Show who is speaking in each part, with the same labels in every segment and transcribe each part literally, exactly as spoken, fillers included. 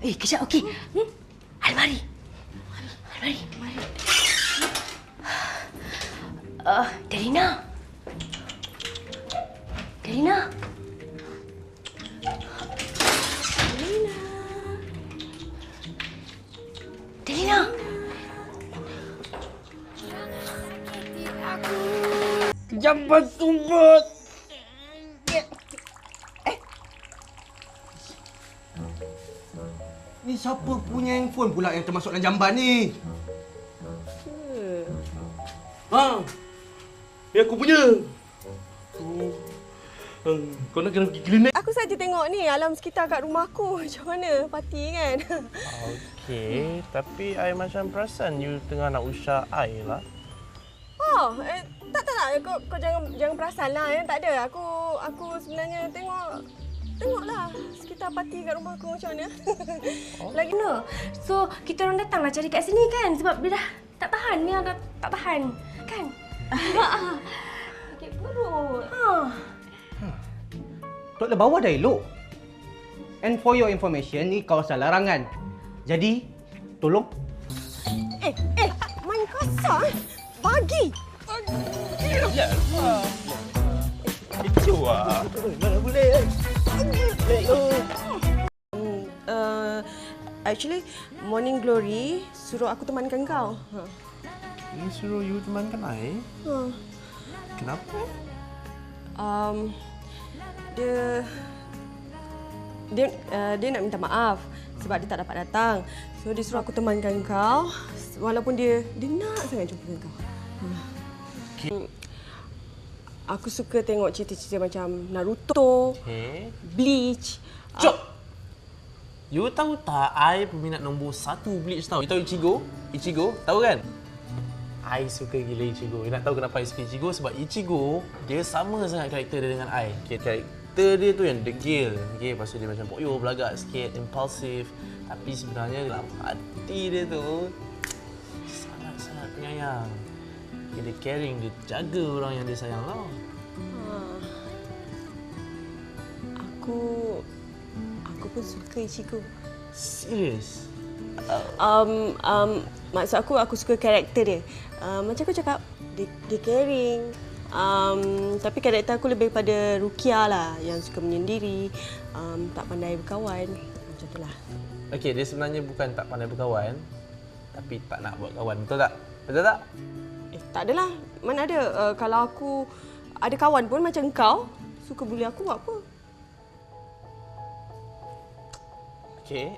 Speaker 1: Eh, kejap, okey. Hmm? Almari. Almari, almari. Uh, Delina. Delina. Delina. Delina.
Speaker 2: Jamban sumbat. Eh. Ni siapa punya handphone pula yang termasuk dalam jamban ni?
Speaker 3: Hmm.
Speaker 2: Ha. Ni aku punya. Oh. Hmm. Kau nak kena pergi klinik?
Speaker 3: Aku saja tengok ni alam sekitar kat rumah aku. Macam mana parti kan?
Speaker 4: Okey, tapi I macam perasan you tengah nak usah I lah.
Speaker 3: Oh, eh, tak tak tak. Kau, kau jangan jangan perasan lah. Ya. Tak ada. Aku aku sebenarnya tengok tengoklah sekitar parti kat rumah aku macam mana.
Speaker 1: Oh. Lagi no. So, kita orang datanglah cari kat sini kan sebab dia dah tak tahan. Ni dah tak tahan. Kan? Sakit perut. Ha.
Speaker 2: Toilet bawah dah elok. And for your information, ni kawasan larangan. Jadi, tolong.
Speaker 3: Eh, eh, main kasar. Bagi.
Speaker 4: Ya. Itu ah.
Speaker 2: Mana boleh?
Speaker 3: Uh, actually, Morning Glory suruh aku temankan kau. Ha.
Speaker 4: Ni suruh you temankan I?
Speaker 3: Ha.
Speaker 4: Kenapa?
Speaker 3: Um, dia dia uh, dia nak minta maaf sebab dia tak dapat datang. So dia suruh aku temankan kau walaupun dia dia nak sangat jumpa dengan kau. Hmm. Aku suka tengok cerita-cerita macam Naruto,
Speaker 4: Okay.
Speaker 3: Bleach.
Speaker 4: Cuk! You tahu tak, I peminat nombor satu Bleach tau. You tahu Ichigo? Ichigo, tahu kan? I suka gila Ichigo. You nak tahu kenapa I suka Ichigo? Sebab Ichigo, dia sama sangat karakter dia dengan I. Okay, karakter dia tu yang degil. Okay, lepas tu dia macam poyo, belagak sikit, impulsif. Tapi sebenarnya dalam hati dia tu, sangat-sangat penyayang. Dia caring, dia jaga orang yang dia sayang tau.
Speaker 3: Ah. Aku aku pun suka Ichigo.
Speaker 4: Serius?
Speaker 3: Um, um, maksud aku, aku suka karakter dia. Uh, macam aku cakap, dia, dia caring. Um, tapi karakter aku lebih pada Rukia lah, yang suka menyendiri, um, tak pandai berkawan. Macam itulah.
Speaker 4: Okey, dia sebenarnya bukan tak pandai berkawan, tapi tak nak buat kawan. Betul tak? Betul tak?
Speaker 3: Eh, tak adalah. Mana ada. Uh, kalau aku ada kawan pun macam kau, suka bully aku buat apa?
Speaker 4: Okey.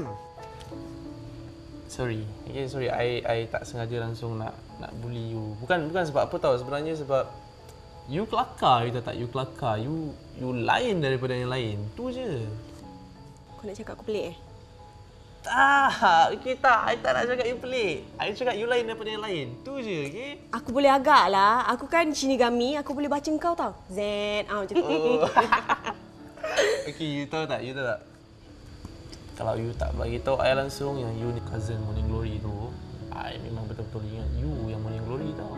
Speaker 4: Sorry. Okay, sorry. I I tak sengaja langsung nak nak bully you. Bukan bukan sebab apa tahu. Sebenarnya sebab you kelakar, you tahu tak? You kelakar. You you lain daripada yang lain. Tu je.
Speaker 3: Kau nak cakap aku pelik eh?
Speaker 4: Tak. Okay, tak. I tak nak cakap you pelik. I cakap you lain daripada yang lain. Tu je, okey?
Speaker 3: Aku boleh agak lah. Aku kan Shinigami. Aku boleh baca kau tau. Z. Ah, macam tu.
Speaker 4: Oh. Okey, you tahu tak? You tahu tak? Kalau you tak bagi tahu I langsung yang you ni cousin Morning Glory tu, I memang betul-betul ingat you yang Morning Glory tau.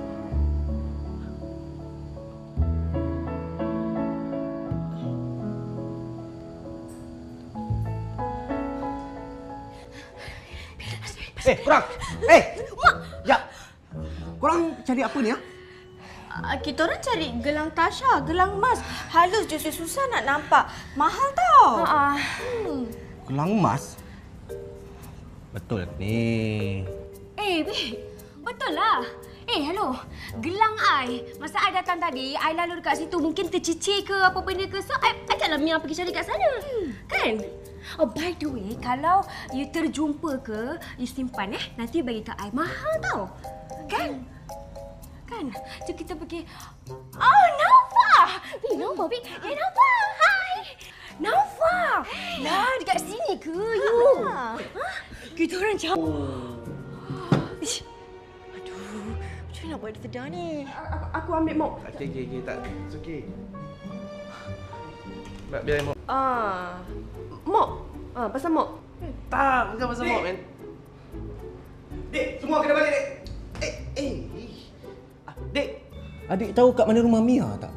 Speaker 2: Eh, korang! Eh! Mak! Ya! Korang cari apa ni, ha?
Speaker 5: Uh, kita orang cari gelang Tasha, gelang emas. Halus je susah nak nampak. Mahal tau.
Speaker 1: Ah.
Speaker 5: Hmm.
Speaker 2: Gelang emas? Betul ni.
Speaker 1: Eh, babe. Betul lah. Eh, hello. Gelang I. Masa I datang tadi, I lalu dekat situ. Mungkin tercicir ke apa benda ke. So, I, I taklah Mia pergi cari kat sana. Hmm. Kan? Oh, by the way, kalau you terjumpa ke, you simpan eh. Nanti bagi kat I. Mahal tau. Kan? Kan? Jom kita pergi. Oh, Naufah! Eh, Naufah, babe. Eh, Naufah. Hai. Naufah! Lah, dekat sini ke you? Ha? Kita orang jauh. Oh. Ish. Aduh, macam mana nak buat dia sedar ni?
Speaker 3: Aku, aku ambil mop.
Speaker 4: Okey, okey, okey. Tak. It's okay. Biar, biar mop.
Speaker 3: Ah, mop. Ah, pasal mop.
Speaker 4: Tak, bukan pasal mop, man.
Speaker 2: Dek, semua kena balik, Dek. Eh, eh. Ah, Dek, adik tahu kat mana rumah Mia tak?